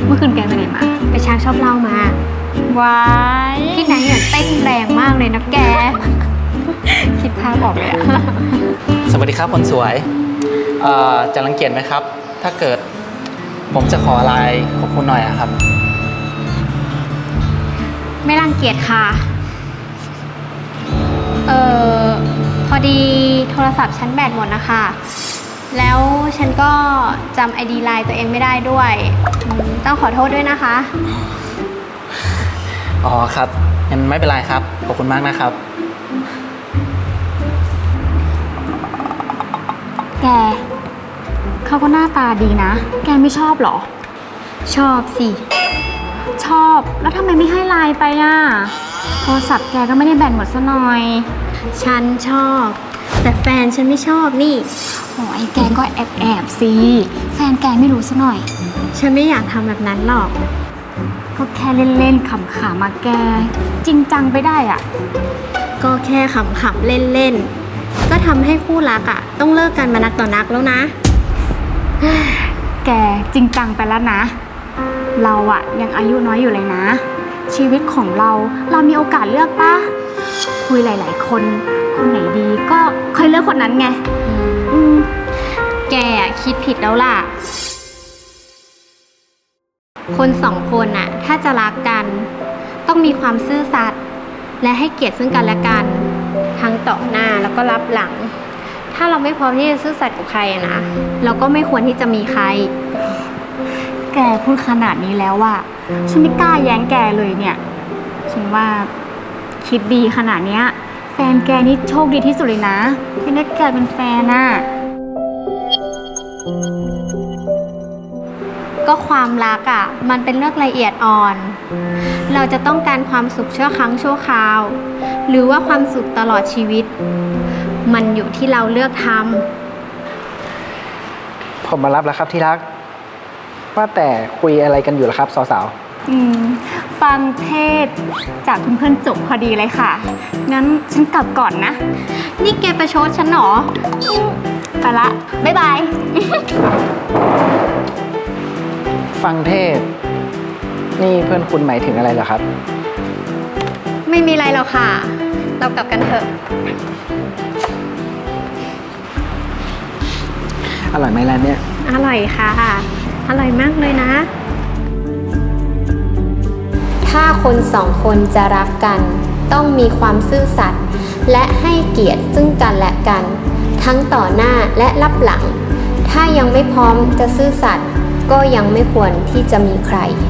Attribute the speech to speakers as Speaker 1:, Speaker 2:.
Speaker 1: เมื่อคืนแกไปไหนมา
Speaker 2: ไปช้างชอบเล่ามา
Speaker 1: ว้าย
Speaker 2: พี่ไนท์เนี่ยเต้นแรงมากเลยนะแก
Speaker 1: คิดภาพออกเลยอะ
Speaker 3: สวัสดีครับคนสวยจะรังเกียจไหมครับ ถ้าเกิดผมจะขอไลน์ขอบคุณหน่อยอะครับ
Speaker 2: ไม่รังเกียจค่ะพอดีโทรศัพท์ฉันแบตหมดนะคะแล้วฉันก็จำ ID ไลน์ตัวเองไม่ได้ด้วยต้องขอโทษด้วยนะคะ
Speaker 3: อ๋อครับงั้นไม่เป็นไรครับขอบคุณมากนะครับ
Speaker 1: แกเขาก็หน้าตาดีนะ แกไม่ชอบหรอ
Speaker 2: ชอบสิ
Speaker 1: ชอบแล้วทำไมไม่ให้ไลน์ไปอ่ะโทรศัพท์แกก็ไม่ได้แบตหมดซะหน่อย
Speaker 2: ฉันชอบแต่แฟนฉันไม่ชอบนี่
Speaker 1: โอ้ยแกก็แอบสิแฟนแกไม่รู้ซะหน่อย
Speaker 2: ฉันไม่อยากทำแบบนั้นหรอก
Speaker 1: ก็แค่เล่นๆขำๆมาแกจริงจังไปได้อ่ะ
Speaker 2: ก็แค่ขำๆเล่นๆก็ทำให้คู่รักอ่ะต้องเลิกกันมานักต่อนักแล้วนะ
Speaker 1: แกจริงจังไปแล้วนะเราอ่ะยังอายุน้อยอยู่เลยนะชีวิตของเรามีโอกาสเลือกปะคุยหลายๆคนไหนดีก็ค่อยเลือกคนนั้นไง
Speaker 2: แกคิดผิดแล้วล่ะคนสองคนน่ะถ้าจะรักกันต้องมีความซื่อสัตย์และให้เกียรติซึ่งกันและกันทั้งต่อหน้าแล้วก็รับหลังถ้าเราไม่พร้อมที่จะซื่อสัตย์กับใครนะเราก็ไม่ควรที่จะมีใคร
Speaker 1: แกพูดขนาดนี้แล้วอะฉันไม่กล้าแย้งแกเลยเนี่ยฉันว่าคิดดีขนาดเนี้ยแฟนแกนี่โชคดีที่สุดเลยนะที่ได้แกเป็นแฟนน่ะ
Speaker 2: ก็ความรักอ่ะมันเป็นเรื่องละเอียดอ่อนเราจะต้องการความสุขชั่วครั้งชั่วคราวหรือว่าความสุขตลอดชีวิตมันอยู่ที่เราเลือกท
Speaker 4: ำผมมารับแล้วครับที่รักว่าแต่คุยอะไรกันอยู่ล่ะครับสาว
Speaker 1: ๆฟังเทศจากเพื่อนๆจบพอดีเลยค่ะงั้นฉันกลับก่อนนะ
Speaker 2: นี่แกประชดฉันหรอ
Speaker 1: ไปละบ๊ายบาย
Speaker 4: ฟังเทศนี่เพื่อนคุณหมายถึงอะไรเหรอครับ
Speaker 2: ไม่มีอะไรหรอกค่ะเรากลับกันเถอะ
Speaker 4: อร่อยไหมร้านเนี้ย
Speaker 2: อร่อยค่ะอร่อยมากเลยนะถ้าคนสองคนจะรักกันต้องมีความซื่อสัตย์และให้เกียรติซึ่งกันและกันทั้งต่อหน้าและรับหลังถ้ายังไม่พร้อมจะซื่อสัตย์ก็ยังไม่ควรที่จะมีใคร